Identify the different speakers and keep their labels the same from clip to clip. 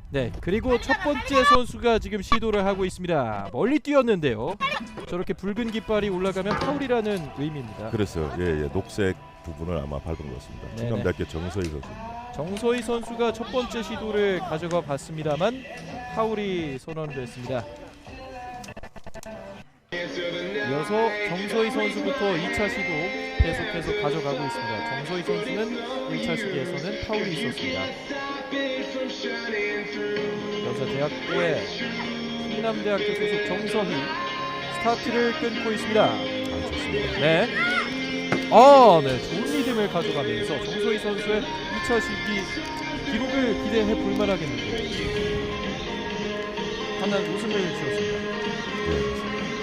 Speaker 1: 네, 그리고 첫 번째 선수가 지금 시도를 하고 있습니다. 멀리 뛰었는데요. 저렇게 붉은 깃발이 올라가면 파울이라는 의미입니다.
Speaker 2: 그랬어요. 예, 녹색 부분을 아마 밟은 것 같습니다.
Speaker 1: 네네.
Speaker 2: 충남대학교 정서희 선수입니다.
Speaker 1: 정서희 선수가 첫 번째 시도를 가져가 봤습니다만 파울이 선언됐습니다. 이어서 정서희 선수부터 2차 시도 계속해서 가져가고 있습니다. 정서희 선수는 1차 시기에서는 파울이 있었습니다. 여자대학교의 충남대학교 소속 정서희 스타트를 끊고 있습니다.
Speaker 2: 좋습니다.
Speaker 1: 네. 네, 좋은 리듬을 가져가면서 정서희 선수의 2차 시기 기록을 기대해 볼 만하겠는데요. 하나 웃음을 지었습니다.
Speaker 2: 네.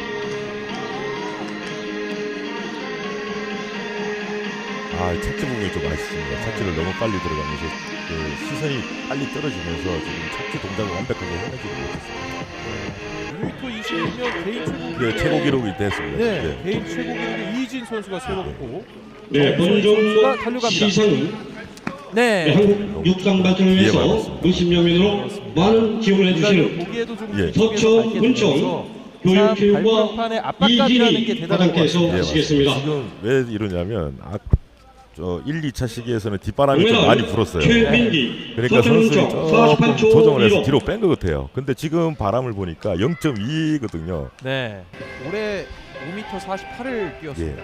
Speaker 2: 착지 부분이 좀 아쉽습니다. 착지를 너무 빨리 들어가면서 시선이 빨리 떨어지면서 지금 착지 동작을 완벽하게 해내지 못했습니다.
Speaker 1: 2m 21면 개인 최고
Speaker 2: 네, 최고 기록이 됐습니다.
Speaker 1: 네,
Speaker 2: 네.
Speaker 1: 개인 최고 기록을 이진 선수가 세웠고
Speaker 3: 네, 본종 시상은
Speaker 1: 네,
Speaker 3: 한국 육상 발전을 위해서 의심여 명으로 많은 지원을 해주시는
Speaker 1: 보기에도 좀
Speaker 2: 예.
Speaker 3: 서초 문청 교육교육과 이진희 과장께서 하시겠습니다.
Speaker 2: 지금 왜 이러냐면 저 1, 2차 시기에서는 뒷바람이 좀 많이 불었어요.
Speaker 3: 최민기,
Speaker 2: 그러니까 선수들이
Speaker 3: 서천문청
Speaker 2: 조금
Speaker 3: 48초
Speaker 2: 조정을 해서
Speaker 3: 1호.
Speaker 2: 뒤로 뺀 것 같아요. 근데 지금 바람을 보니까 0.2거든요.
Speaker 1: 네, 올해 5m 48을 뛰었습니다.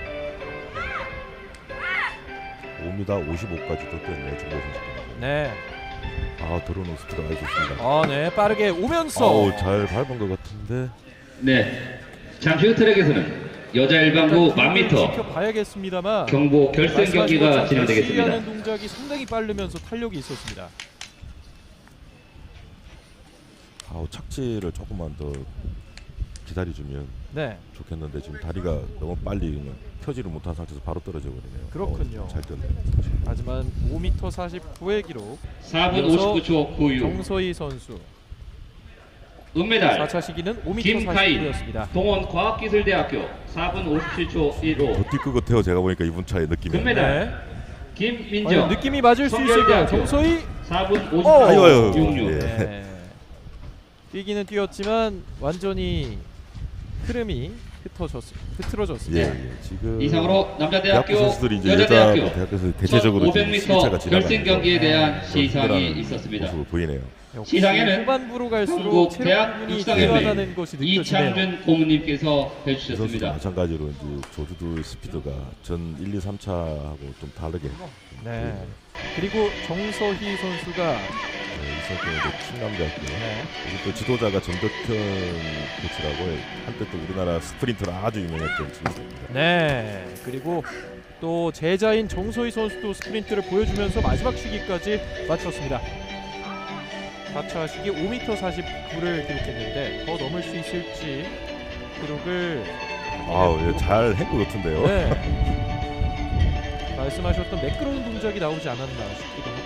Speaker 2: 5m 55까지도 뛰었네요. 정보 선수.
Speaker 1: 네,
Speaker 2: 들어오는 스피드 아주 좋습니다.
Speaker 1: 네, 빠르게 오면서
Speaker 2: 잘 밟은 것 같은데.
Speaker 4: 네, 잠시 후 트랙에서는 여자 일반부 1000m
Speaker 1: 지켜봐야겠습니다만
Speaker 4: 경보 결승 경기가 진행되겠습니다.
Speaker 1: 하는 동작이 상당히 빠르면서 탄력이 있었습니다.
Speaker 2: 착지를 조금만 더 기다려주면
Speaker 1: 네,
Speaker 2: 좋겠는데 지금 다리가 너무 빨리 그냥 펴지를 못한 상태에서 바로 떨어져 버리네요.
Speaker 1: 그렇군요.
Speaker 2: 잘 뛰었네요.
Speaker 1: 하지만 5m 49의 기록
Speaker 4: 4분
Speaker 1: 이어서
Speaker 4: 59초 96
Speaker 1: 정서희 선수
Speaker 4: 은메달
Speaker 1: 4차 시기는 5m
Speaker 4: 김카인
Speaker 1: 49였습니다.
Speaker 4: 동원과학기술대학교 4분 57초 15
Speaker 2: 더 뛸 것 같아요. 제가 보니까 이분 차의 느낌이.
Speaker 4: 금메달 김민정
Speaker 1: 느낌이 맞을 수 있을까요?
Speaker 4: 성결대학교
Speaker 1: 정서희
Speaker 4: 4분
Speaker 2: 아이고,
Speaker 4: 58초 66
Speaker 2: 예.
Speaker 1: 네. 뛰기는 뛰었지만 완전히 흐름이 흐트러졌습니다.
Speaker 2: 예. 지금
Speaker 4: 이상으로 남자대학교
Speaker 2: 대학교 선수들이 이제
Speaker 4: 여자대학교
Speaker 2: 대학교에서 대체적으로
Speaker 4: 500m 결승 경기에 대한 시상이
Speaker 2: 모습을
Speaker 4: 있었습니다.
Speaker 2: 보이네요.
Speaker 1: 역시
Speaker 4: 시상에는
Speaker 1: 후반부로 갈수록
Speaker 4: 한국 대학
Speaker 1: 체력분이
Speaker 4: 육상협회
Speaker 1: 뛰어나는 것이 느껴지네요.
Speaker 4: 이창준 고문님께서
Speaker 2: 이 선수도
Speaker 4: 해주셨습니다.
Speaker 2: 마찬가지로 이제 조주도 스피드가 전 1, 2, 3차하고 좀 다르게.
Speaker 1: 네. 그리고 정서희 선수가
Speaker 2: 이 선수는 이제 충남대학교.
Speaker 1: 네.
Speaker 2: 여기 또 지도자가 정덕현 코치라고 한때 또 우리나라 스프린터로 아주 유명했던 친구입니다.
Speaker 1: 네. 그리고 또 제자인 정서희 선수도 스프린트를 보여주면서 마지막 시기까지 마쳤습니다. 4차 시기 5m 49를 기록했는데 더 넘을 수 있을지 기록을
Speaker 2: 잘 한 것 같은데요.
Speaker 1: 네. 말씀하셨던 매끄러운 동작이 나오지 않았나 싶기도 합니다.